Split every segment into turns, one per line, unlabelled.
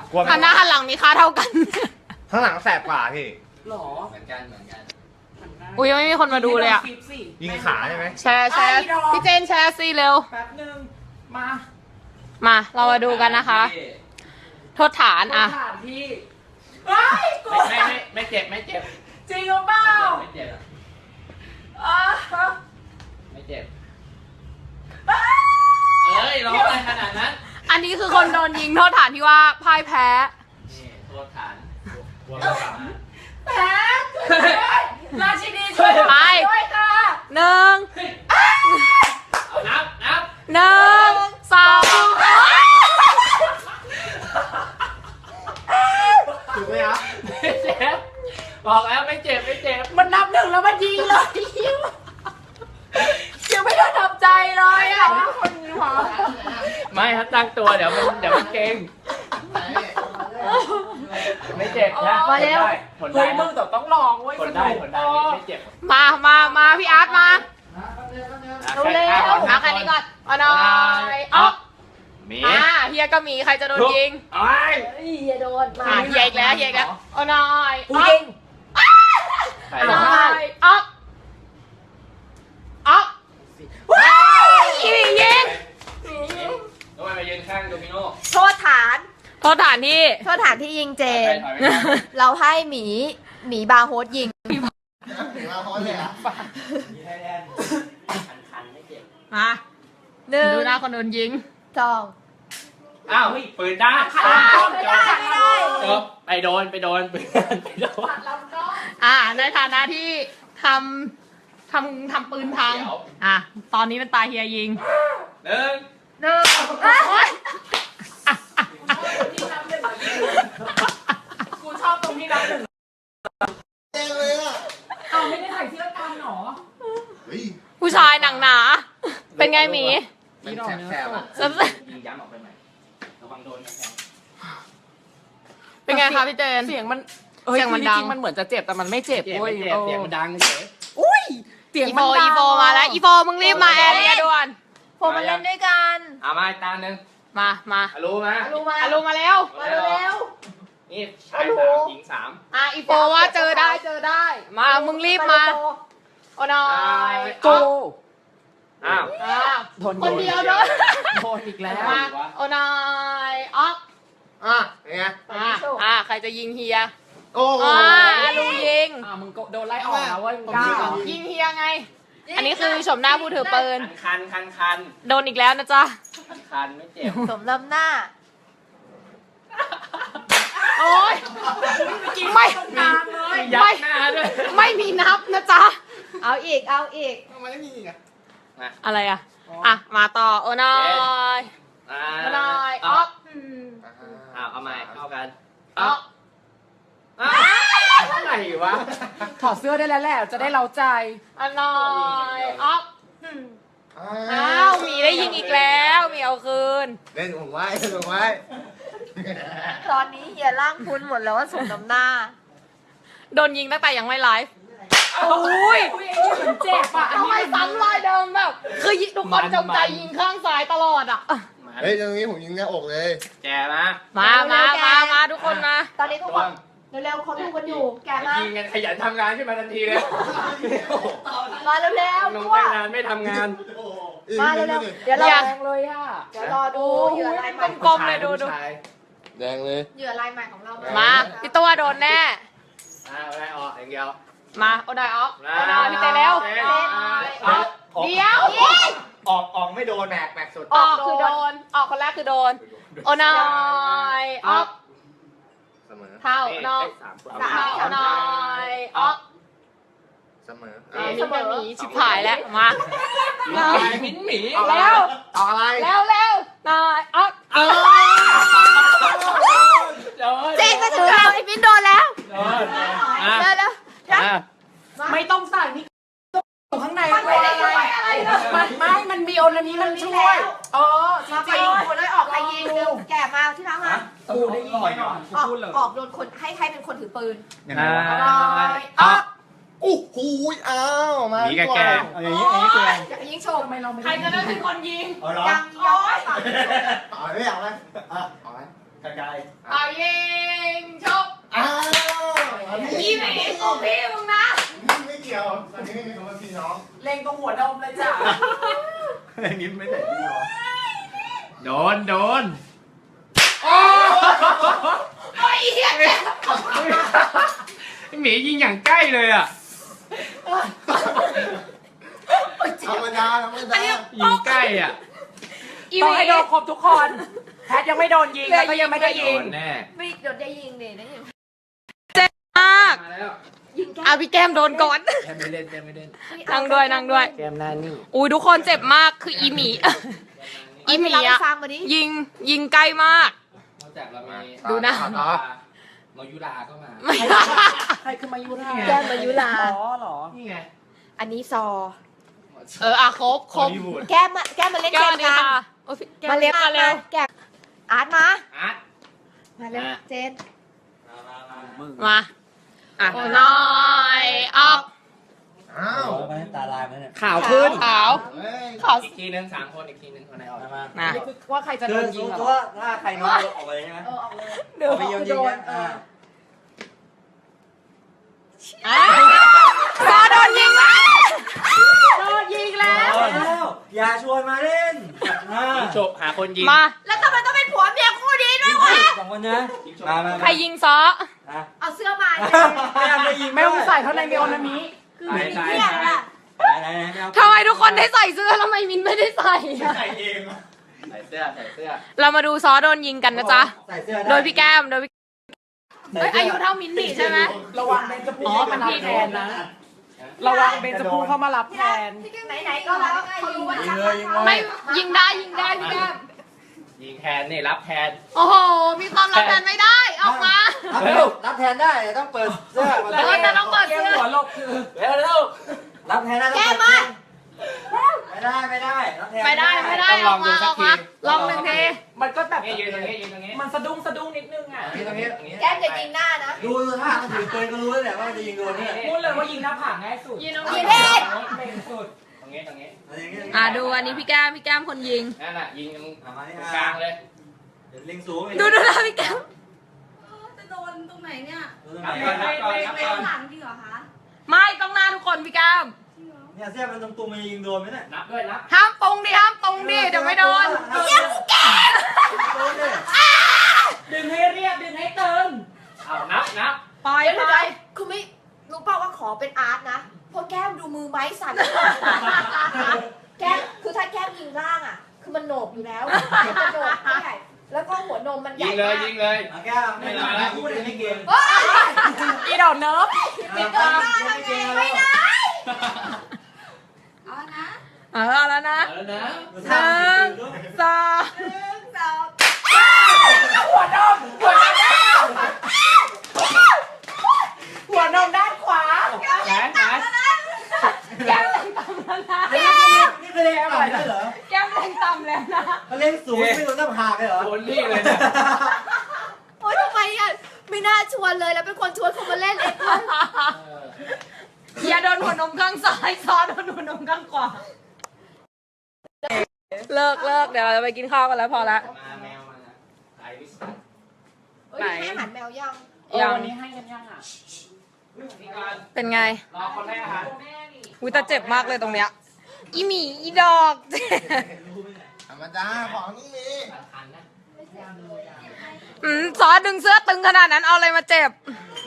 กลัวไหม
หันหน้าหันหลังมีค่าเท่ากัน
ข้างหลังแสบกว่าพี่
หรอ
เหมือนกัน
อุ้ยยังไม่มีคนมาดูเลยอ่ะ
คลิปสิ
ยิงขาใช่ไหม
แชร์พี่เจนแชร์สิเร็ว
แป๊บนึงมา
มาเรามาดูกันนะคะ โทษฐานอ่ะ
สถานที่เฮ้ยกู
ไม่เจ็บไม่เจ็บ
จริงหรือเปล่า
ไม่เจ็บ
อ่า
ไม่เจ็บเอ้ยร้องอะไรขนาดนั้น
อันนี้คือคนโดนยิงโทษฐานที่ว่าพ่ายแพ้
นี่โทษฐาน
แพ้ราชินีช่วย
ไป
ด้วยค่ะ
หนึ่ง
เอานับ
หนึ่งสอง
ถูกไหมครับ
ไม่เจ็บบอกแล้วไม่เจ็บไม่เจ็บ
มันนับหนึ่งแล้วมันยิงเลยยังไม่ได้ทำใจเลยอ่ะคนนี้หรอ
ไม่ถ้าตั้งตัวเดี๋ยวมันเก่งไม่เจ็บนะ
มาแล้ว
ทน
เฮ้
ได้
ยมึงแต่ต้องลองเว้ย
ทนได้ไม่เจ็บ
มาพี่อาร์ตมา
ดูเลย
มาแค่นี้ก่อนเอาหน่อยอ๊อก
มี
เฮียก็มีใครจะโดนยิง
ไอ้
เฮียโดนมา
เฮียอีกแล้วเอาหน่อย
กูยิง
ใคร
เอาหน่อยอ๊อกยิง
ทำไมมายืนข้างโดมิโน่
โทษฐาน
โทษฐานที่
โทษฐานที่ยิงเจน
ถอยไป
เราให้หมีบาร์โฮสยิง
มาพร้อมเลยอ่ะ
มีไทยแลนด์คันไม่เจ็บ
มา
หนึ่ง
ดูหน้าคนโดนยิง
สอง
อ้าวปืนด้าน
ไม่ได้ไม่ได้
จบไปโดนปืนไปโดน
ในฐานะที่ทำปืนพังตอนนี้เป็นตาเฮียยิง
หนึ่ง
กูชอบตรงที่นับหนึ่ง
เต็มเลยอ่ะ
เอาไม่ได้ถ่ายที่ละกันหรอ
เฮ้ย
ผู้ชายหนังหนา เป็นไงหมี
มันแสบๆอ่ะ
ยิงย้ำออกไปใหม่ระวังโดนกระแทง
เป็นไงคะพี่เจน
เสียงมัน
เสียงมันดัง
จริงๆมันเหมือนจะเจ็บแต่มันไม่เจ็บ
เจ็บ
เว้ย
ไม่เจ็บเสียงมันดังเฉย
อุ้ยเสียง
อี
มันดัง
โฟมาแล้วอีโฟมึงรีบมาแอเรียด่วน
ผมมาเล่นด้วยกัน
เอามาอีกตาหนึ่ง
มา
รู้ไหม
รู้มา
ลงมาแล้ว
มาเร็ว
นี่ชายสามหญิงสาม
อีโฟว่าเจอได้ มามึงรีบมาโอ้น้อย
โก
อ้าว
โดน
คนเดียวโดน
โดนอีกแล้ว
มาโอ้น้อยอ๊อก
เป็นไง
ใครจะยิงเฮีย
โอ้โห
ลุงยิง
มึงโดนไล่ออกแล้วเว้ยมึงกล้า
ยิงเฮียไง อันนี้คือชมหน้าผู้ถือปืน
คัน
โดนอีกแล้วนะจ๊ะ
คันไม่เจ็บ
ๆสมลำหน้า
โอ๊ยไม่
ยัดหน้าด้วย
ไม่มีนับนะจ๊ะ
เอาอีก
ทำไมไม่มีอ่ะ
อะไรมาต่อโอ้น้อยโอ้น้อยอ๊อก
เอาใหม่เข้ากัน
อ๊อก
อะไรวะ
ถอดเสื้อได้แล้วแหละจะได้เล้าใจ
โอ้น้อยอ๊อกหมีได้ยิงอีกแล้วหมีเอาคืน
เล่นผมไว้เล่นผมไว้
ตอนนี้เฮียร่างพุ้นหมดแล้วว่าสมน้ำหน้า
โดนยิงตั้งแต่ยังไม่ไลฟ์โอ้ย
เหมือนเจ็บอ่ะ
ทำไมซ้ำรอยเดิมแบบ คือทุกคนจงใจยิงข้างซ้ายตลอดอ่ะ
เฮ้ยตรงนี้ผมยิงหน้าอกเลย
แจมา
มาทุกคนมา
ตอนนี้ทุกคนเร็วๆเขาดูกันอยู่ แกมา
ยิงกันขยันทำงานขึ้นมาทันทีเลย
มาเร็ว
ล
ๆ
ง
ตัว
ตั้งนานไม่ทำงาน
มาเร็วๆเดี๋ยวรอ
แรงเลยอ่ะ
เดี๋ยวรอดูเหยื่อรายใหม่
กลมๆเลยดู
แดงเลย
เหยื่อรายใหม่ของเรา
มาพี่ตัวโดนแน่
อะไรออกอย่างเดียว
มาโอ้นายอ๊อกโอ้นายพี่เตเร็วเดี๋ยว
ออกไม่โดนแม็กสุด
ออกคือโดน ออกคนแรกคือโดน โอ้นายอ๊อก
เสมอ
เท่าน้องเท่าน้อยอ๊อก
เสมอ
นี่จะหนีชิบหายแล้วมา
มิ้นหมี
แล้ว
ออกอะไร
แล้วนายอ๊อก
เจ๊ก็ถึงแล้วไอ้มิ้นโดนแล้ว
โดน
เร็ว
ไม่ต้องใส่นี่อยู่ข้างใน
มันไม่ได้ช่วยอะไรเลย
มันมีโอนอันนี้มันช่วยจ
มาไป
ริง
ยิงคนเลยออกใครยิงเร็วแกมาที่ร้านมา
ๆกูได้ยินแน่นอน
ออกโดนคนให้ใครเป็นคนถือปืน
อ๊อก
โอ้โหอ้าวมา
หนีกับแก
อย่างนี้คืออะไร
อย่ายิงโชว์
ทำไมเราไม่
ใครจะได้เป็นคนยิง
เอาเหรอ
ยังย้อย
เอาไม่เอาไหมเอาไหม
ไกล
เอายิงชก
อ้าวอันนี้
อีหมีกูพี่มึงนะ
ไม่เกี่ยวอันนี้ไม่มีคำว่าพี่น้อง
เล็งตรงหัวนมเลยจ้ะ
อันนี้ไม่แต่พี่น้อง
โดน
โอ้ยเหี้ย
หมียิงอย่างใกล้เลยอ่ะ
ธรรมดา
ยิงใกล้อ่ะ
อีห
ต้อง
มี
ให้โดนครบทุกคน แพทยังไม่โดนยิงแล้วก็ยังไม่ได้
โด
ยิง
นแน่
ไม่เดี๋ยวจะยิงดินะยิง
มาก
มาแล้ว
ยิงแก้
อ่ะพี่แก้มโดนก่อน
แกไม่เล่น
นั่งด้วยนั่งด้วย
แกมหน้านิ่ง
อุ้ยทุกคนเจ็บมากคืออีหมี อีหมี
เราไป
อะ
ฟังมาดิ
ยิงใกล้มาก
นอกจากเรามี
ดูนะ
มายุราก็มา
ใครคือมายุรา
แก้มมายุรา
อ๋อเหรอ
นี่ไง
อันนี้ซอ
อ่ะครบ
ฮอลลีวูด
แก้มมาเล่น
แก้
เก
ว
ม
นี่
กัน
ค่ะโอ้ยแก้ว
มาเล่น
เร็ว
แก้มอาร์ตมา
อาร์ต
มาเร็วเจน
มาอ่ะน้อยออก
อ้าว
ตาลายไหมเนี่ย
ข่าวขึ้น
ขาว
เฮ้ย
ขาว
อีกทีนึง3 คนอีกทีนึงคนไหนออก
มา
นะ
นี่คือว่าใครจะโด
คือน
ยิ
ส
ง
ม
เหร
ม
อ
ติว่าถ้าใครน้อยออกไปเลยใช่ไหม
ออกเลย
เอาไปโยนยิงเนี่ย
ซอโดนยิงแล้ว
โดนยิงแล้ว
แล้วอย่าชวนมาเล่น
ยิงจบหาคนยิง
มา
แล้วทำไมต้องเป็นผัวเมียคู่นี้ด้วยวะ
สองคนนะมา
ใครยิงซอ
เอาเสื้อมา
ไม่ยิง
ไม่ต้องใส่เข้าในเมลนามิ
ใช่ใช่
เนี่ยน่ะ
ไหน
ทำไมทุกคนได้ใส่เสื้อทำไมมินไม่ได้ใส่อะ
ใส่เอง
ใส่เสื้อ
เรามาดูซอโดนยิงกันนะจ๊ะ
ใส่เสื้อ
โดยพี่แก้ม โดยพี่เอ้ยอายุเท่ามินนี่ใช่ไหม
ระวังเบนจะพูเข้ามารับแทนนะ ระวังเบนจะพูเข้ามารับแทน
ไหนๆก็แล้วเขารู้ว่าชัก
ไม่ยิงได้พี่แก้ม
ยิงแทนนี่รับแทน
โอ้โห มีความรับแทนไม่ได้ออกมา
รับแทนได้ต้องเปิดเสื้อ
แต่ต้องเปิดเสื้อ
หัวลบคือ
เร็ว
รับแทนได้ต้องเปิดไม่ได้
ไม่ได้ออกมาลองหนึ่งที
มันก็แบบ
นี่ยืนตรงนี้
มันสะดุ้งนิดนึงอ่ะ
ตรงนี้
แก้มจะยิงหน้านะ
ดูท่ามันถือปืนก็รู้แล้วแหละว่ามันจะยิงโดนเนี่ย
พูดเลยว่ายิงหน้าผากง่ายสุด
ยิงตรง
ยิ
นี้
งเล่น
เบ่งสุด
ตรงนี้
ดูอันนี้พี่แก้มคนยิง
นั่นน่ะยิงตรง
มานี่
กลางเลย
ลิงสูง
ดูนะพี่แก้ม
จะโดนตรงไหนเนี่ย
นับก่อน
เป็นหลังจริงเหรอคะ
ไม่ต้องหน้าทุกคนพี่แก้ม
จริงเหรอ
เนี่ยเสื้อมันตรงมันยิงโดนไหมเนี่ย
นับด้วยนับ
ห้ามตรงดิเดี๋ยวไม่โดน
เยี่ยมกูแก่
ดึงให้เรียบดึงให้ตึง
เอานับ
ปล่อย
เดี๋ยว
ไป
คือไม่รู้เปล่าว่าขอเป็นอาร์ตนะเพราะแก้มดูมือไม้สั่นแก้มคือถ้าแก้มยิงล่างอ่ะ คือมันโหนกอยู่แล้วมันจะโหนกใหญ่แล้วก็หัวนมมันใหญ่
ยิงเลย
มาก
ยิงเลย
แก้วไม่ได้พูดไม่เก่ง
อีดอกเนิร์ฟ
ไม่ได้ไม่ได้
เอานะ
เอาแล้วนะ
เอาแล้วนะ
หนึ่งสอง
สอง
หัวนมด้านขวา
แขน
แก้มแรงต่ำแล้วนะ
นี่คือเล่นต่ำได้เหรอ
แก้มแรงต่ำแล้วนะ
เขาเล่นสูงไม่โดนหน้าผากเลยเหรอ
โดนนี่เลยเนี่ย
โอ๊ยทำไมอ่ะไม่น่าชวนเลยแล้วเป็นคนชวนเขามาเล่นเองด้วย
อย่าโดนหัวนมข้างซ้ายซ้อนโดนหัวนมข้างขวาเลิกเดี๋ยวเราจะไปกินข้าวกันแล้วพอละ
มาแมวมาไอวิส
เอ้ยให้อาหารแมวยัง
ยัง
วันนี้ให้กันยังอ่ะ
นี่ก่อน
เป็นไง
รอคนแรกอาหาร
อุ้ยแต่เจ็บมากเลยตรงเนี้ยอีหมีอีดอก
ธรรมดาของต้องมี
ทันนะ
ซอสดึงเสื้อตึงขนาดนั้นเอาอะไรมาเจ็บ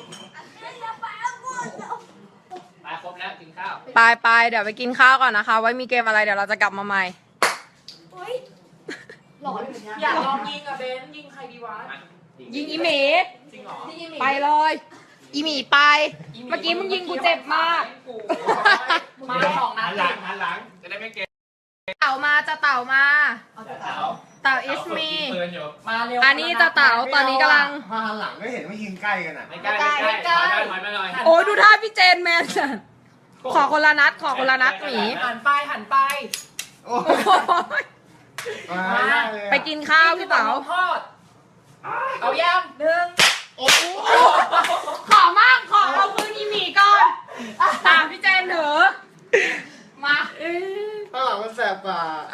ไปครบแล้วกินข้าว
ไปเดี๋ยวไปกินข้าวก่อนนะคะ ไว้มีเกมอะไรเดี๋ยวเราจะกลับมาใหม่
เฮ้ยหลอนเหมือนกัน
อยากลองยิงอ่ะเบนยิงใครดีวะ
ยิงอีหมี
จริงเหรอ
ที่ยิงหมี
ไปเลย อีหมีไป เมื่อกี้มึงยิงกูเจ็บมาก
มาสองนั
หั
ด
นหลังหันหลังจะได้ไม่เกม
เต่ามาจะเต่ามา
เต๋า
เต่าอิสมี
ปืนอยู่
มาเร็ว
อันนี้จะเต่าตอนนี้กำลัง
พอหันหลังก็เห็นว่ายิงใกล้กันอ่ะ
ไม่ใกล้ถอยมาหน่อย
โอ้ดูท่าพี่เจนแมนสันขอคนละนัดหมี
หันไป
โอ้
โอ้ย
มาได้เลย
ไปกินข้าวพี่เต๋า
ทอดเอาย่างหนึ่ง
ขอมากขอเอาคืนอีหมีก่อนตามพี่เจนเถอะมา
ข้างหลังมันแสบกว่า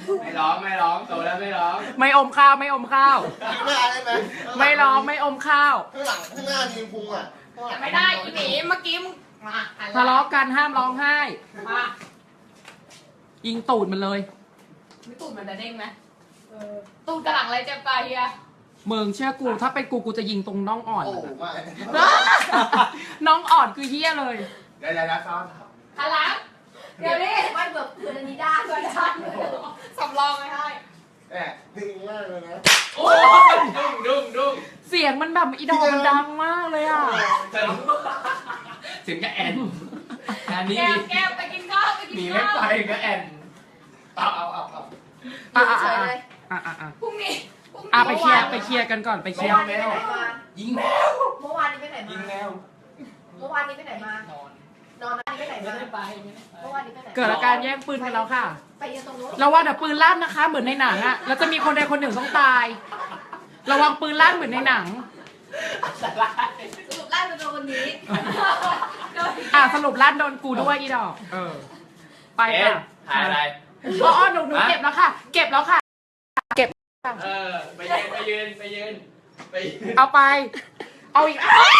ไม่ร้องไม่ร้องโตแล้วไม่ร้อง
ไม่อมข้าวไม่อมข้าว
ข้างหน้าได้ไหม
ไม่ร้องไม่อมข้าว
ข้างหลังข้างหน้ามีพุงอ่ะข้างหลัง
ไม่ได้อีหมีเมื่อกี้มึงมา
ทะเลาะกันห้ามร้องไห้
มา
ยิงตูดมันเลย
ไม่ตูดมันจะเด้งไหมตูดกระหลังอะไรเจ็บตาเฮีย
มึงเชื่อกูถ้าเป็นกูจะยิงตรงน่องอ่อน
โอ้
มัน
ไม่
น้องอ่อนคือเหี้ยเลย
เดี๋ยวซ้อน
หันหลังเดี๋ยวนี้
ไม่เบิกคืนอันนี้ได้ด้วยนะ
สำรองไม่ให้
แหมดึงมากเลยนะ
โอ้ยดุ้ง
เสียงมันแบบอีดอกมันดังมากเลยอ่ะ
เสียงก็แอนอันนี้
แก้วไปกินข้าวไปกิน
หนีไม่
ข้าว
ไปก็แอนเอา
อยู่เฉยเลย
พรุ่งนี้
ไปเคลียร์กันก่อนไปเคลียร์
เมื่อวานนี้ไปไหนมา
ยิงแมว
เมื่อวานนี้ไปไหน
ยิ
มาง
แมว
เมื่อวานนี้ไปไหนมา
นอน
นอนนี้ไปไหน
ไม่
มา
ได้ไปไม่ได้ไป
เมื่อวานนี้ไปไหน
เกิดอาการแย่งปืนกันแล้วค่ะ
ไปยืนตรงนู้น
ระวังเดี๋ยวปืนลั่นนะคะ เหมือนในหนังอะแล้วจะมีคนใดคนหนึ่งต้องตาย ระวังปืนลั่นเหมือนในหนัง
สรุปไล่เป็นโดนคนนี้
สรุปลั่นโดนกูด้วยอีดอก ไป
เอ็น
ค่ะ
ถ่ายอะไร
อ๋อหนูเก็บแล้วค่ะ เก็บแล้วค่ะ
ไปยืน
เอาไป เอาอีก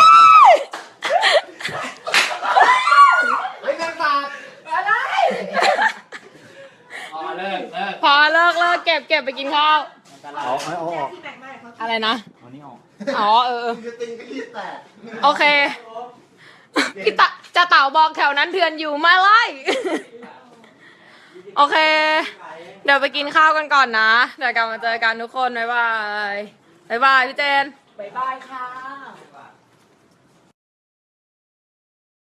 เฮ้ยนั่งตา
อ๋อเลิก
พอเลิกเก็บไปกินข้าว
ที่แบ่งมาเขา
อะไรนะอ๋อ
จะติงก็รีบแตก
โอเคพี่จะเต่าบอกแถวนั้นเถื่อนอยู่มาไล่ โอเค เดี๋ยวไปกินข้าวกันก่อนนะ เดี๋ยวกลับมาเจอกันทุกคน บ๊ายบาย บ๊ายบายพี่เจน
บ๊ายบายค่ะ